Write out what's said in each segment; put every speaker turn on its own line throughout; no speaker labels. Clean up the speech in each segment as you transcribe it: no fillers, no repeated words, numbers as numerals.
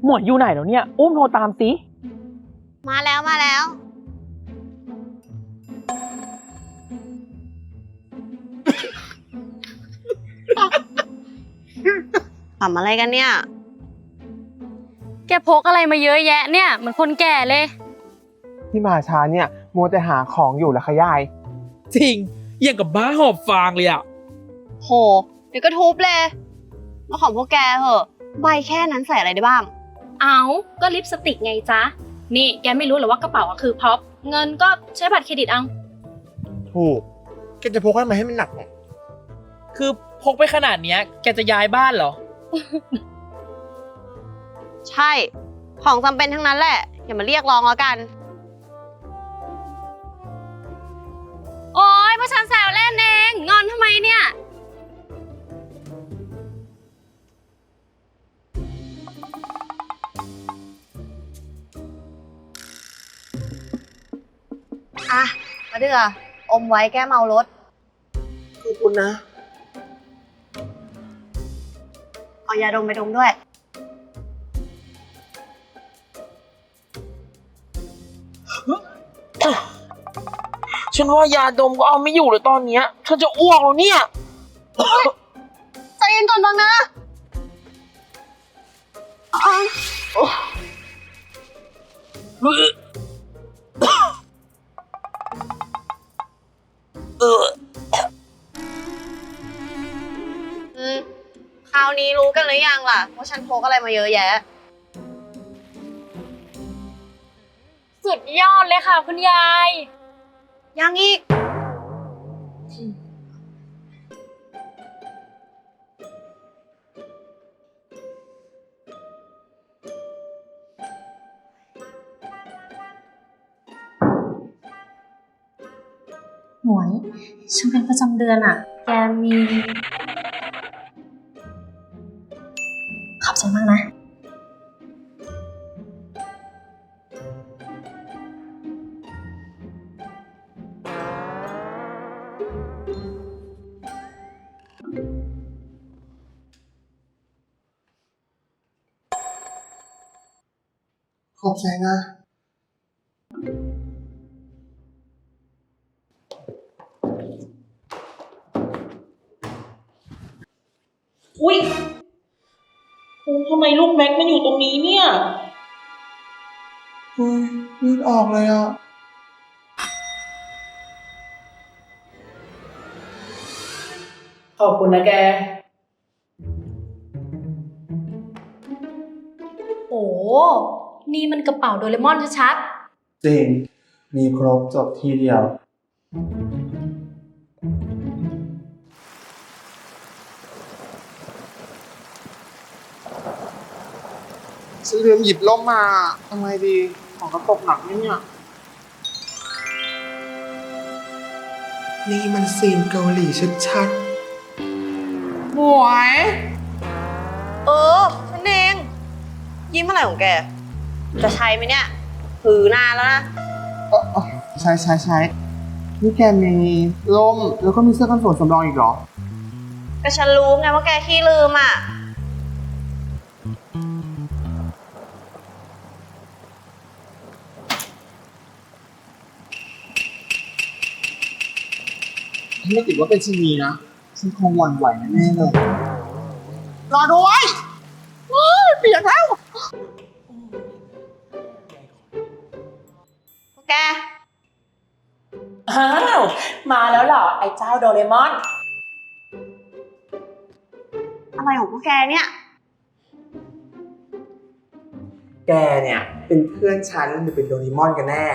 หมวยอยู่ไหนแล้วเนี่ยอุ้มโทรตามสิ
มาแล้วมาแล้วทำอะไรกันเนี่ย
แกพกอะไรมาเยอะแยะเนี่ยเหมือนคนแก่เลย
ที่มาช้าเนี่ยมัวแต่หาของอยู่แล้วค่ะยาย
จริงอย่างกับบ้าหอบฟางเลยอ่ะ
โหเดี๋ยวก็ทุบเลยมาของพวกแกเหอะใบแค่นั้นใส่อะไรได้บ้าง
เอาก็ลิปสติกไงจ๊ะนี่แกไม่รู้หรอว่ากระเป๋าคือพ็อปเงินก็ใช้บัตรเครดิตเอา
ถูกแกจะพกทำไมให้มันหนักเนี่ย
คือพกไปขนาดเนี้ยแกจะย้ายบ้านเหรอ
ใช่ของจำเป็นทั้งนั้นแหละอย่ามาเรียกร้องแล้วกัน
โอ๊ยพวกฉันแซวเล่นเองงอนทำไมเนี่ย
อ่ะมาเดืออมไว้แก้เมารถ
ขอบคุณนะ
เอายาดมไปดมด้วย
ฉันว่ายาดมก็เอาไม่อยู่เลยตอนเนี้ยฉันจะอ้วกแล้วเนี่ย
ใจเย็นก่อนบ้างนะคราวนี้รู้กันหรือยังล่ะว่าฉันพกอะไรมาเยอะแยะ
สุดยอดเลยค่ะคุณยาย
ยังอีก
หมวยฉันเป็นประจำเดือนอ่ะแกมีขอบใจมากนะ
ขอบใจนะ
อุ๊ยทำไมลูกแม็กมันอยู่ตรงนี้เนี่ย
เลือดออกเลยอ่ะ
ขอบคุณนะแก
โอ้นี่มันกระเป๋าโดเรมอนชัด
จริงมีครบจบทีเดียวฉันลืมหยิบร่มมาทำไงดีของกระตกหนักไหมเนี่ยนี่มันซีนเกาหลีชัดๆหมวย
ฉันเองยิ้มอะไรของแกจะใช้ไหมเนี่ยถือนานแล้วนะ
ใช้นี่แกมีร่มแล้วก็มีเสื้อกันฝนสำรองอีกเหรอ
ก็ฉันรู้ไงว่าแกขี้ลืมอ่ะ
ถ้าไม่ติดว่าเป็นชนีนะฉันคงหวั่นไหวแน่ๆเลยรอด้วยเปียกแล้ว
พวกแก
อ้าวมาแล้วเหรอไอ้เจ้าโดเรมอน
อะไรของพวกแกเนี่ย
แกเนี่ยเป็นเพื่อนฉันหรือเป็นโดเรมอนกันแน่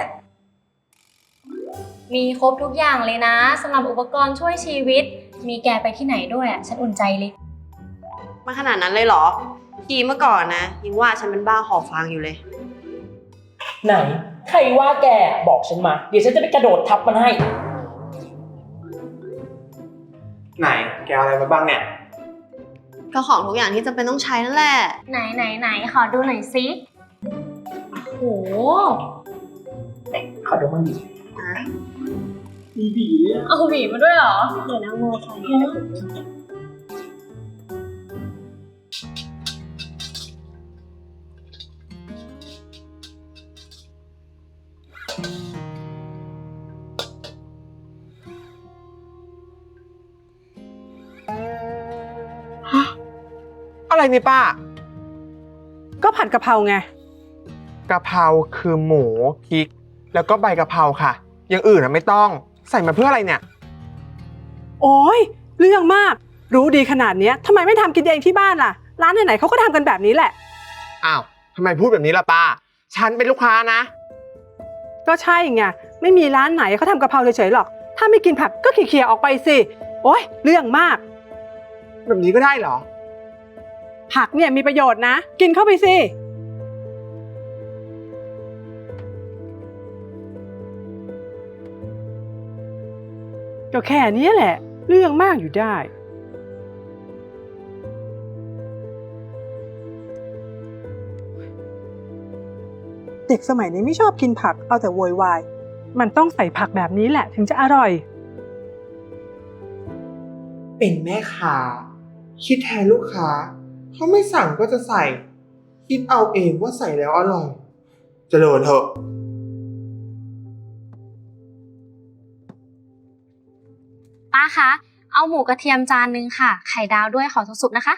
มีครบทุกอย่างเลยนะสำหรับอุปกรณ์ช่วยชีวิตมีแกไปที่ไหนด้วยอ่ะฉันอุ่นใจเลย
มาขนาดนั้นเลยเหรอทีเมื่อก่อนนะยังว่าฉันเป็นบ้าหอบฟางอยู่เลย
ไหนใครว่าแกบอกฉันมาเดี๋ยวฉันจะไปกระโดดทับมันให้
ไหนแกเอาอะไรมาบ้างเนี่ย
ก็ของทุกอย่างที่จำเป็นต้องใช้นั่นแหละ
ไหนขอดูหน่อยสิโห
ขอดูมันดิมีบีเลย
เอาหวีมาด้วยเหรอ
เดี๋ยวนะโมใส่
อะไรนี่ป้า
ก็ผัดกะเพราไง
กะเพราคือหมูพริก แล้วก็ใบกะเพราค่ะ อย่างอื่นไม่ต้องใส่มาเพื่ออะไรเนี่ย
โอ้ยเรื่องมากรู้ดีขนาดเนี้ยทำไมไม่ทำกินเองที่บ้านล่ะ ร้านไหนๆเขาก็ทำกันแบบนี้แหละ
อ้าวทำไมพูดแบบนี้ล่ะป้า ฉันเป็นลูกค้านะ
ก็ใช่ไงไม่มีร้านไหนเขาทำกะเพราเฉยๆหรอก ถ้าไม่กินผักก็เขี่ยๆออกไปสิโอ้ยเรื่องมาก
แบบนี้ก็ได้เหรอ
ผักเนี่ยมีประโยชน์นะ กินเข้าไปสิก็แค่นี้แหละ เรื่องมากอยู่ได้เด็กสมัยนี้ไม่ชอบกินผักเอาแต่โวยวายมันต้องใส่ผักแบบนี้แหละถึงจะอร่อย
เป็นแม่ค้าคิดแทนลูกค้าเขาไม่สั่งก็จะใส่ คิดเอาเองว่าใส่แล้วอร่อยเจริญเถอะ
ป้าคะ เอาหมูกระเทียมจานนึงค่ะ ไข่ดาวด้วยขอสุกๆนะคะ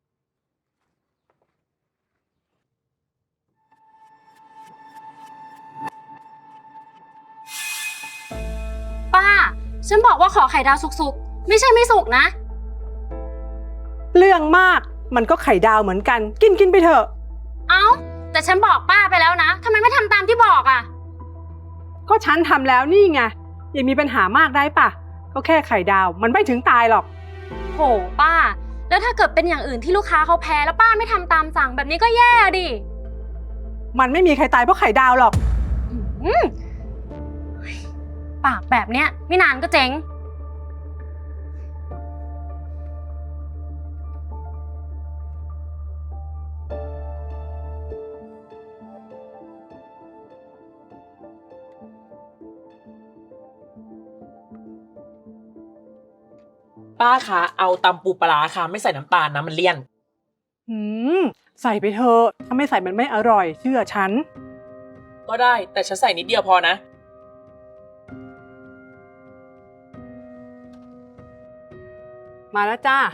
ป้า ฉันบอกว่าขอไข่ดาวสุกๆ ไม่ใช่ไม่สุกนะ
เรื่องมากมันก็ไข่ดาวเหมือนกันกินไปเถอะ
เอ้า แต่ฉันบอกป้าไปแล้วนะทำไมไม่ทำตามที่บอกอ่ะ
ก็ฉันทำแล้วนี่ไงอย่ามีปัญหามากได้ปะก็แค่ไข่ดาวมันไม่ถึงตายหรอก
โหป้า แล้วถ้าเกิดเป็นอย่างอื่นที่ลูกค้าเขาแพ้แล้วป้าไม่ทำตามสั่งแบบนี้ก็แย่ดิ
มันไม่มีใครตายเพราะไข่ดาวหรอก
อืมปากแบบเนี้ยไม่นานก็เจ๊ง
ป้าคะเอาตำปูปลาร้าค่ะไม่ใส่น้ำตาลนะมันเลี่ยน
ใส่ไปเถอะถ้าไม่ใส่มันไม่อร่อยเชื่อฉัน
ก็ได้แต่ฉันใส่นิดเดียวพอนะ
มาแล้วจ้า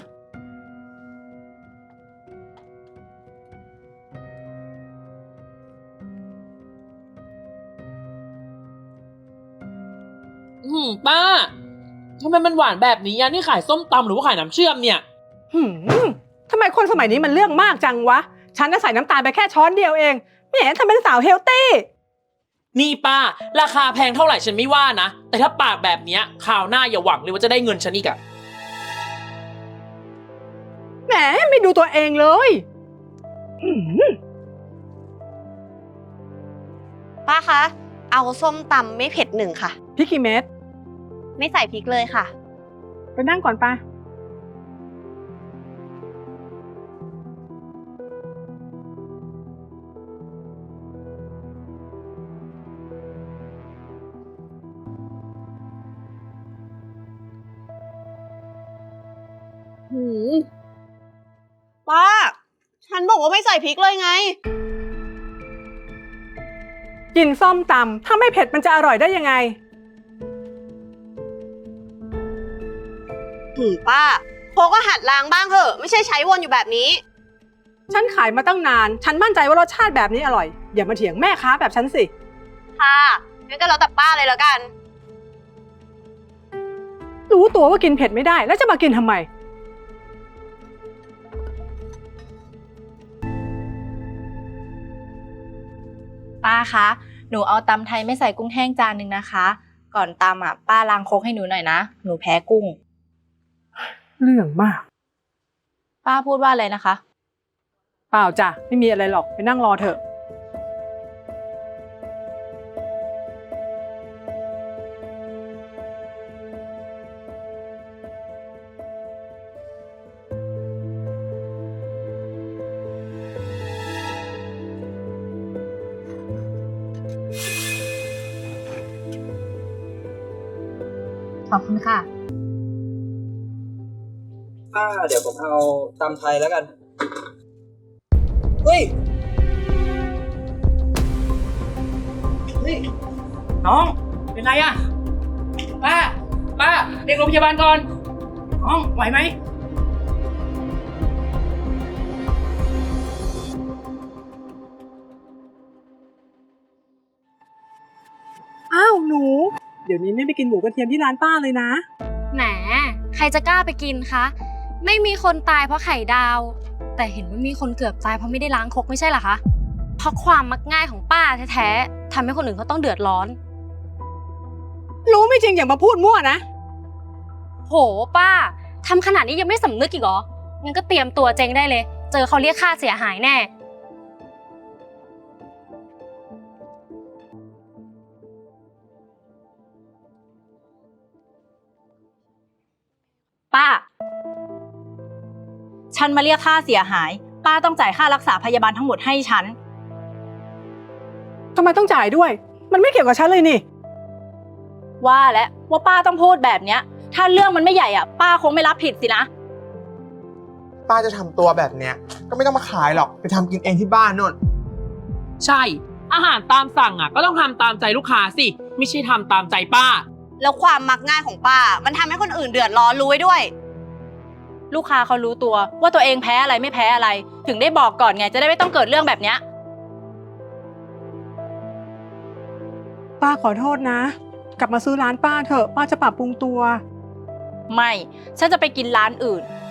ป้าทำไมมันหวานแบบนี้อะนี่ขายส้มตำหรือว่าขายน้ำเชื่อมเนี่ย
ทำไมคนสมัยนี้มันเรื่องมากจังวะ ฉันน่ะใส่น้ำตาลไปแค่ช้อนเดียวเองแหมทำเป็นสาวเฮลตี้
นี่ป้าราคาแพงเท่าไหร่ฉันไม่ว่านะ แต่ถ้าปากแบบเนี้ยคราวหน้าอย่าหวังเลยว่าจะได้เงินฉันอีกอะ
แหมไม่ดูตัวเองเลยหืม
ป้าคะ เอาส้มตำไม่เผ็ดหนึ่งค่ะ
พริกกี่เม็ด
ไม่ใส่พริกเลยค่ะ
ไปนั่งก่อนป้า
ป้า ฉันบอกว่าไม่ใส่พริกเลยไง
กินส้มตำถ้าไม่เผ็ดมันจะอร่อยได้ยังไง
ป้าโคก็หัดล้างบ้างเถอะไม่ใช่ใช้วนอยู่แบบนี้
ฉันขายมาตั้งนาน ฉันมั่นใจว่ารสชาติแบบนี้อร่อย อย่ามาเถียงแม่ค้าแบบฉันสิ
ค่ะงั้นก็แล้วแต่ป้าเลยแล้วกัน
รู้ตัวว่ากินเผ็ดไม่ได้ แล้วจะมากินทำไม
ป้าคะ หนูเอาตำไทยไม่ใส่กุ้งแห้งจานหนึ่งนะคะ ก่อนตำอ่ะป้าล้างโคกให้หนูหน่อยนะ หนูแพ้กุ้ง
เรื่องมาก
ป้าพูดว่าอะไรนะคะ
เปล่าจ้ะไม่มีอะไรหรอกไปนั่งรอเถอะ
ขอบคุณค่ะ
เดี๋ยวผมเอาตำไทยแล้วกัน เฮ้ย
น้องเป็นไรอะป้าเรียกโรงพยาบาลก่อนน้องไหวไหม
เดี๋ยวนี้ไม่ไปกินหมูกระเทียมที่ร้านป้าเลยนะ
แหม ใครจะกล้าไปกินคะ ไม่มีคนตายเพราะไข่ดาว แต่เห็นว่ามีคนเกือบตายเพราะไม่ได้ล้างครกไม่ใช่เหรอคะ เพราะความมักง่ายของป้าแท้ๆทำให้คนอื่นเขาต้องเดือดร้อน
รู้ไม่จริงอย่ามาพูดมั่วนะ
โหป้าทำขนาดนี้ยังไม่สำนึกอีกเหรอ งั้นก็เตรียมตัวเจ๊งได้เลย เจอเขาเรียกค่าเสียหายแน่
ป้า ฉันมาเรียกค่าเสียหาย ป้าต้องจ่ายค่ารักษาพยาบาลทั้งหมดให้ฉัน
ทำไมต้องจ่ายด้วย มันไม่เกี่ยวกับฉันเลยนี่
ว่าแล้วว่าป้าต้องพูดแบบเนี้ย ถ้าเรื่องมันไม่ใหญ่อ่ะ ป้าคงไม่รับผิดสินะ
ป้าจะทำตัวแบบเนี้ย ก็ไม่ต้องมาขายหรอก ไปทำกินเองที่บ้านนู่น
ใช่ อาหารตามสั่งอ่ะก็ต้องทำตามใจลูกค้าสิ ไม่ใช่ทำตามใจป้า
แล้วความมักง่ายของป้า มันทำให้คนอื่นเดือดร้อนรู้ไว้ด้วย
ลูกค้าเขารู้ตัวว่าตัวเองแพ้อะไรไม่แพ้อะไร ถึงได้บอกก่อนไงจะได้ไม่ต้องเกิดเรื่องแบบเนี้ย
ป้าขอโทษนะ กลับมาซื้อร้านป้าเถอะ ป้าจะปรับปรุงตัว
ไม่ ฉันจะไปกินร้านอื่น